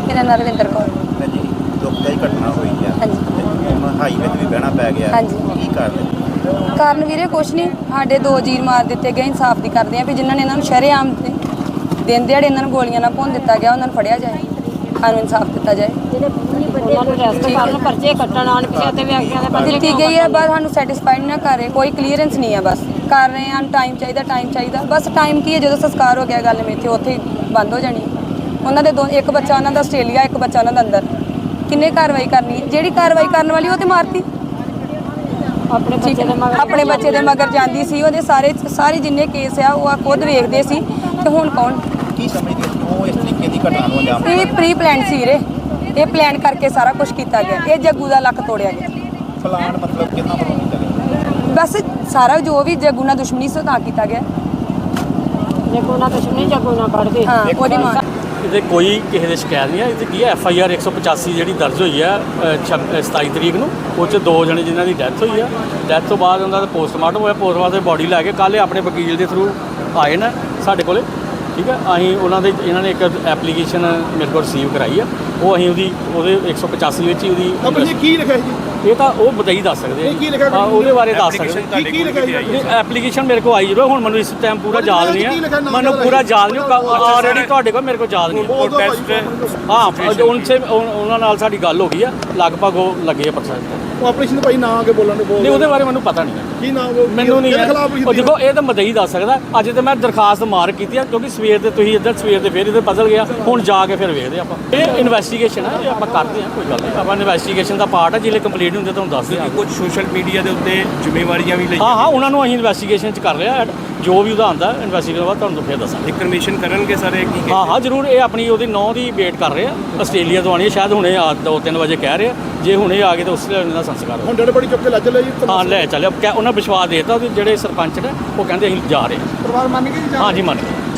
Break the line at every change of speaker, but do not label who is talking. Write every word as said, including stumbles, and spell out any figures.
ਮੇਰਾ ਨਾਮ ਰਵਿੰਦਰ ਕੌਰ।
ਜੀ ਦੁਖਦਾਈ ਘਟਨਾ ਹੋਈ ਆ।
ਹਾਂਜੀ
ਹੁਣ ਹਾਈ ਵਿੱਚ ਵੀ ਬਹਿਣਾ ਪੈ ਗਿਆ।
ਹਾਂਜੀ
ਕੀ ਕਾਰਨ?
ਕਾਰਨ ਵੀਰੇ ਕੁਛ ਨਹੀਂ, ਸਾਡੇ ਦੋ ਜੀਰ ਮਾਰ ਦਿੱਤੇ ਗਏ। ਇਨਸਾਫ ਦੀ ਕਰਦੇ ਆ ਵੀ ਜਿਨ੍ਹਾਂ ਨੇ ਇਹਨਾਂ ਨੂੰ ਸ਼ਰੇਆਮ ਦਿਨ ਦਿਹਾੜੇ ਇਹਨਾਂ ਨੂੰ ਗੋਲੀਆਂ ਨਾਲ ਭੁੰਨ ਦਿੱਤਾ ਗਿਆ, ਉਹਨਾਂ ਨੂੰ ਫੜਿਆ ਜਾਏ, ਸਾਨੂੰ ਇਨਸਾਫ ਦਿੱਤਾ ਜਾਏ।
ਪਰਚੇ ਕੱਟਣ ਆਣ ਪਿੱਛੇ ਤੇ ਵੀ ਅੱਗੇ ਦੇ
ਦਿੱਤੀ ਗਈ ਹੈ, ਬਸ ਸਾਨੂੰ ਸੈਟੀਸਫਾਈਡ ਨਾ ਕਰ ਰਹੇ, ਕੋਈ ਕਲੀਅਰੈਂਸ ਨਹੀਂ ਹੈ। ਬਸ ਕਰ ਰਹੇ ਹਾਂ, ਟਾਈਮ ਚਾਹੀਦਾ ਟਾਈਮ ਚਾਹੀਦਾ ਬਸ। ਟਾਈਮ ਕੀ ਹੈ, ਜਦੋਂ ਸੰਸਕਾਰ ਹੋ ਗਿਆ ਗੱਲ ਮੇਥੇ ਉੱਥੇ ਹੀ ਬੰਦ ਹੋ ਜਾਣੀ। ਉਹਨਾਂ ਦੇ ਦੋ, ਇੱਕ ਬੱਚਾ ਉਹਨਾਂ ਦਾ ਆਸਟ੍ਰੇਲੀਆ, ਇੱਕ ਬੱਚਾ ਉਹਨਾਂ ਦਾ ਅੰਦਰ। ਕਿੰਨੇ ਕਾਰਵਾਈ ਕਰਨੀ ਹੈ? ਜਿਹੜੀ ਕਾਰਵਾਈ ਕਰਨ ਵਾਲੀ ਉਹ ਤੇ ਮਾਰਤੀ।
ਆਪਣੇ ਬੱਚੇ ਦੇ ਮਗਰ
ਆਪਣੇ ਬੱਚੇ ਦੇ ਮਗਰ ਜਾਂਦੀ ਸੀ। ਉਹਦੇ ਸਾਰੇ ਸਾਰੇ ਜਿੰਨੇ ਕੇਸ ਆ ਉਹ ਖੁਦ ਵੇਖਦੇ ਸੀ। ਤੇ ਹੁਣ ਕੌਣ
ਕੀ ਸਮਝਦੇ ਕਿਉਂ ਇਸ ਤਰੀਕੇ ਦੀ ਘਟਨਾ ਨੂੰ ਅੰਜਾਮ
ਇਹ ਪ੍ਰੀ ਪਲਾਨ ਸੀ ਵੀਰੇ, ਇਹ ਪਲਾਨ ਕਰਕੇ ਸਾਰਾ ਕੁਝ ਕੀਤਾ ਗਿਆ। ਇਹ ਜੱਗੂ ਦਾ ਲੱਕ ਤੋੜਿਆ ਗਿਆ।
ਫਲਾਣ ਮਤਲਬ ਕਿੰਨਾ ਵੱਲੋਂ ਕੀਤਾ ਗਿਆ?
ਬਸ ਸਾਰਾ ਜੋ ਵੀ ਜੱਗੂ ਨਾਲ ਦੁਸ਼ਮਣੀ ਸੀ ਤਾਂ ਕੀਤਾ ਗਿਆ।
ਜੱਗੂ ਨਾਲ ਦੁਸ਼ਮਣੀ ਜੱਗੂ ਨਾਲ ਕੱਢ ਕੇ
ਹਾਂ ਉਹਦੀ ਮਾਂ।
ਇਹਦੇ ਕੋਈ ਕਿਸੇ ਦੇ ਸ਼ਿਕਾਇਤ ਨਹੀਂ ਹੈ। ਇਹਦੇ ਕੀ ਹੈ, ਐਫ ਆਈ ਆਰ ਇੱਕ ਸੌ ਪਚਾਸੀ ਜਿਹੜੀ ਦਰਜ ਹੋਈ ਹੈ ਸਤਾਈ ਤਰੀਕ ਨੂੰ, ਉਹ 'ਚ ਦੋ ਜਣੇ ਜਿਨ੍ਹਾਂ ਦੀ ਡੈਥ ਹੋਈ ਆ। ਡੈਥ ਤੋਂ ਬਾਅਦ ਉਹਨਾਂ ਦਾ ਪੋਸਟਮਾਰਟਮ ਹੋਇਆ। ਪੋਸਟਮਾਰਟਮ ਬੋਡੀ ਲੈ ਕੇ ਕੱਲ੍ਹ ਆਪਣੇ ਵਕੀਲ ਦੇ ਥਰੂ ਆਏ ਨੇ ਸਾਡੇ ਕੋਲੇ। ਠੀਕ ਹੈ, ਅਸੀਂ ਉਹਨਾਂ ਦੇ ਇਹਨਾਂ ਨੇ ਇੱਕ ਐਪਲੀਕੇਸ਼ਨ ਮੇਰੇ ਕੋਲ ਰਿਸੀਵ ਕਰਾਈ ਆ। ਉਹ ਅਸੀਂ ਉਹਦੀ ਉਹਦੇ ਇੱਕ ਸੌ ਪਚਾਸੀ ਵਿੱਚ ਹੀ ਉਹਦੀ
ਕੀ ਲਿਖਿਆ ਜੀ?
ਇਹ ਤਾਂ ਉਹ ਬਤਾਈ ਦੱਸ ਸਕਦੇ ਆ, ਉਹਦੇ ਬਾਰੇ ਦੱਸ ਸਕਦੇ।
ਕੀ ਲਿਖਿਆ ਜੀ?
ਐਪਲੀਕੇਸ਼ਨ ਮੇਰੇ ਕੋਲ ਆਈ ਜਦੋਂ, ਹੁਣ ਮੈਨੂੰ ਇਸ ਟਾਈਮ ਪੂਰਾ ਯਾਦ ਨਹੀਂ ਹੈ। ਮੈਨੂੰ ਪੂਰਾ ਯਾਦ ਨਹੀਂ, ਆਲਰੇਡੀ ਤੁਹਾਡੇ ਕੋਲ ਮੇਰੇ ਕੋਲ ਯਾਦ ਨਹੀਂ ਹੈ। ਹਾਂ ਉਨਸੇ ਉਹਨਾਂ ਨਾਲ ਸਾਡੀ ਗੱਲ ਹੋ ਗਈ ਆ, ਲਗਭਗ ਉਹ ਲੱਗੇ ਆ ਪਰਸੈਂਟ।
ਉਹ ਆਪਰੇਸ਼ਨ ਭਾਈ ਨਾ ਅੱਗੇ ਬੋਲਣ ਨੂੰ ਬੋਲ
ਨਹੀਂ, ਉਹਦੇ ਬਾਰੇ ਮੈਨੂੰ ਪਤਾ ਨਹੀਂ ਹੈ।
ਕੀ ਨਾਮ ਉਹ
ਮੈਨੂੰ ਨਹੀਂ ਹੈ। ਉਹ ਦੇਖੋ, ਇਹ ਤਾਂ ਮਦਈ ਦੱਸ ਸਕਦਾ। ਅੱਜ ਤੇ ਮੈਂ ਦਰਖਾਸਤ ਮਾਰ ਕੀਤੀ ਆ, ਕਿਉਂਕਿ ਸਵੇਰ ਦੇ ਤੁਸੀਂ ਇੱਧਰ ਸਵੇਰ ਦੇ ਫਿਰ ਇੱਧਰ ਬਦਲ ਗਿਆ। ਹੁਣ ਜਾ ਕੇ ਫਿਰ ਵੇਖਦੇ ਆਪਾਂ। ਇਹ ਇਨਵੈਸਟੀਗੇਸ਼ਨ ਹੈ, ਇਹ ਆਪਾਂ ਕਰਦੇ ਹਾਂ, ਕੋਈ ਗੱਲ ਨਹੀਂ। ਆਪਾਂ ਇਨਵੈਸਟੀਗੇਸ਼ਨ ਦਾ ਪਾਰਟ ਹੈ, ਜਿਹੜੇ ਕੰਪਲੀਟ ਹੁੰਦੇ ਤੁਹਾਨੂੰ ਦੱਸ ਦਿਆਂਗੇ।
ਕੁਝ ਸੋਸ਼ਲ ਮੀਡੀਆ ਦੇ ਉੱਤੇ ਜ਼ਿੰਮੇਵਾਰੀਆਂ ਵੀ ਲਈ
ਹਾਂ ਹਾਂ ਉਹਨਾਂ ਨੂੰ ਅਸੀਂ ਇਨਵੈਸਟੀਗੇਸ਼ਨ 'ਚ ਕਰ ਰਿਹਾ। ਜੋ ਵੀ ਉਹਦਾ ਆਉਂਦਾ ਇਨਵੈਸਟੀਗੇਸ਼ਨ ਬਾਅਦ ਤੁਹਾਨੂੰ ਫਿਰ ਦੱਸਾਂਗੇ।
ਇਨਫੋਰਮੇਸ਼ਨ ਕਰਨਗੇ ਸਾਰੇ ਕੀ?
ਹਾਂ ਹਾਂ ਜ਼ਰੂਰ। ਇਹ ਆਪਣੀ ਉਹਦੀ ਨੌਂ ਦੀ ਵੇਟ ਕਰ ਰਹੇ ਆ। ਆਸਟ੍ਰੇਲੀਆ ਤੋਂ ਆਉਣੀ ਹੈ, ਸ਼ਾਇਦ ਹੁਣੇ ਆ ਦੋ ਤਿੰਨ ਵਜੇ ਕਹਿ ਰਹੇ ਆ। ਜੇ ਹੁਣੇ ਆ ਗਏ ਤਾਂ ਉਸ ਦਾ ਸੰਸਕਾਰ
ਹੁਣ ਡੇਢ ਬੜੀ ਚੁੱਕ ਕੇ ਲੈ ਚੱਲੇ ਜੀ।
ਹਾਂ ਲੈ ਚੱਲਿਆ। ਉਹਨਾਂ ਵਿਸ਼ਵਾਸ ਦੇਤਾ, ਜਿਹੜੇ ਸਰਪੰਚ ਨੇ ਉਹ ਕਹਿੰਦੇ ਅਸੀਂ ਜਾ ਰਹੇ ਹਾਂ।
ਪਰਿਵਾਰ ਮੰਨ ਗਏ ਜੀ?
ਹਾਂ ਜੀ ਮੰਨ ਗਏ।